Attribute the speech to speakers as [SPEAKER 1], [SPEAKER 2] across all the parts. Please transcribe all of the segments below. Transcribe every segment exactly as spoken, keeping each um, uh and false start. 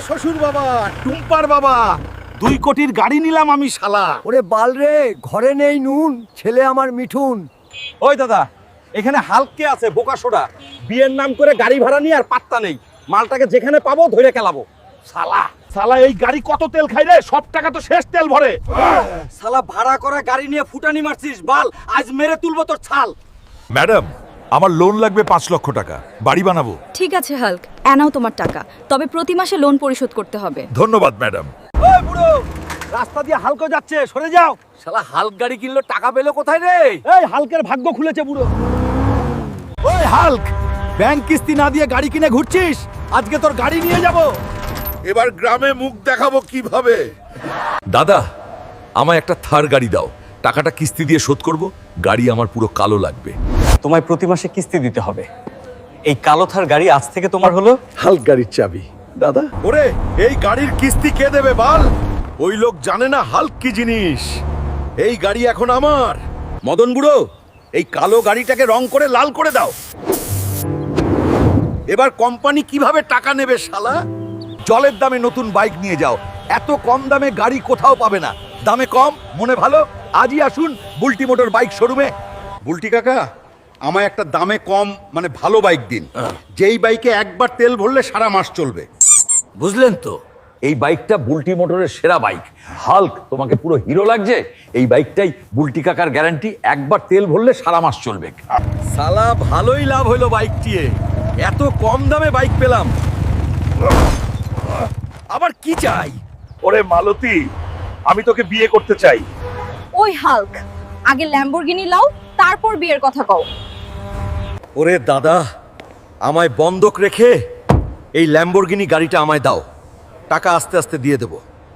[SPEAKER 1] শ্বশুর বাবা, টুম্পার বাবা, দুই কোটির গাড়ি নিলাম আমি শালা।
[SPEAKER 2] ওরে বাল রে, ঘরে নেই নুন, ছেলে আমার মিঠুন।
[SPEAKER 1] ওই দাদা, এখানে হালকে আছে বোকা সোডা, বিয়ের নাম করে গাড়ি ভাড়া নিয়ে আর পাত্তা নেই। মালটাকে যেখানে পাবো ধরে খেলাবো। শালা শালা এই গাড়ি কত তেল খাই রে, সব টাকা তো শেষ তেল ভরে। শালা ভাড়া করা গাড়ি নিয়ে ফুটানি মারছিস, বাল আজ মেরে তুলবো তোর ছাল।
[SPEAKER 3] ম্যাডাম, আমার লোন লাগবে পাঁচ লক্ষ টাকা, বাড়ি বানাবো।
[SPEAKER 4] ঠিক আছে হাল্ক, এনাও তোমার টাকা, তবে প্রতি মাসে লোন পরিশোধ করতে হবে।
[SPEAKER 3] ধন্যবাদ ম্যাডাম।
[SPEAKER 1] ওই বুড়ো, রাস্তা দিয়ে হালকা যাচ্ছে, সরে যাও। শালা হালক গাড়ি কিনলো, টাকা পেলো কোথায় রে? এই হালকের ভাগ্য খুলেছে বুড়ো। ওই হালক, ব্যাংক কিস্তি না দিয়ে গাড়ি কিনে ঘুরছিস, আজকে তোর গাড়ি নিয়ে যাব।
[SPEAKER 3] এবার গ্রামে মুখ দেখাবো কিভাবে? দাদা, আমায় একটা থার গাড়ি দাও, টাকাটা কিস্তি দিয়ে শোধ করব। গাড়ি আমার পুরো কালো লাগবে।
[SPEAKER 5] তোমায় প্রতি মাসে কিস্তি দিতে হবে। এই কালো থার গাড়ি আজ থেকে তোমার হলো।
[SPEAKER 3] হালক গাড়ির চাবি দাদা। ওরে, এই গাড়ির কিস্তি কে দেবে বাল? ওই লোক জানে না হালক কি জিনিস। এই গাড়ি এখন আমার।
[SPEAKER 1] মদন বুড়ো, এই কালো গাড়িটাকে রং করে লাল করে দাও।
[SPEAKER 3] এবার কোম্পানি কিভাবে টাকা নেবে শালা? জলের দামে নতুন বাইক নিয়ে যাও, এত কম দামে গাড়ি কোথাও পাবে না। দামে কম, মনে ভালো, আজই আসুন বুলটি মোটর বাইক শোরুমে।
[SPEAKER 6] বুলটি কাকা, আমায় একটা দামে কম মানে ভালো বাইক দিন, যেই বাইকে একবার তেল ভরলে সারা মাস চলবে।
[SPEAKER 3] বুঝলেন তো, এই বাইকটা বুলটি মোটরের সেরা বাইক। হাল্ক, তোমাকে পুরো হিরো লাগছে। এই বাইকটাই বুলটি কাকার গ্যারান্টি, একবার তেল ভরলে সারা মাস চলবে।
[SPEAKER 1] শালা ভালোই লাভ হলো বাইকটিয়ে, এত কম দামে বাইক পেলাম। আবার কি চাই?
[SPEAKER 3] ওরে মালতী, আমি তোকে বিয়ে করতে চাই।
[SPEAKER 4] ওই হাল্ক, আগে ল্যাম্বরগিনি লাও, তারপর বিয়ের কথা কও।
[SPEAKER 1] ওরে দাদা, আমায় বন্ধক রেখে এই ল্যাম্বরগিনি গাড়িটা আমায় দাও, টাকা আস্তে আস্তে দিয়ে দেব।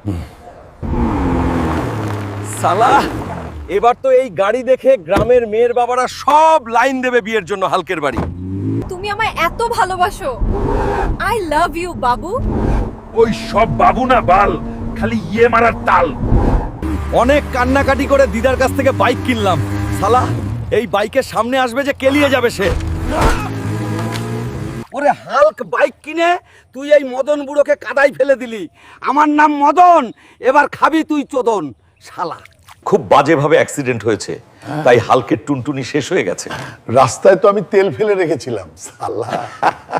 [SPEAKER 1] শালা, এবার তো এই গাড়ি দেখে গ্রামের মেয়ের বাবারা সব লাইন দেবে বিয়ের জন্য হালকের বাড়ি।
[SPEAKER 4] তুমি আমায় এত ভালোবাসো। আই লাভ ইউ বাবু।
[SPEAKER 3] ওই সব বাবু না বাল, খালি ইয়ে মারার তাল।
[SPEAKER 1] অনেক কান্নাকাটি করে দিদার কাছ থেকে বাইক কিনলাম। শালা, এই বাইকের সামনে আসবে যে কেলিয়ে যাবে সে। ওরে হালক, বাইক কিনে তুই এই মদন বুড়োকে কাদায় ফেলে দিলি। আমার নাম মদন, এবার খাবি তুই চোদন শালা।
[SPEAKER 3] খুব বাজেভাবে অ্যাক্সিডেন্ট হয়েছে, তাই হালকের টুনটুনি শেষ হয়ে গেছে।
[SPEAKER 7] রাস্তায় তো আমি তেল ফেলে রেখেছিলাম, সালা।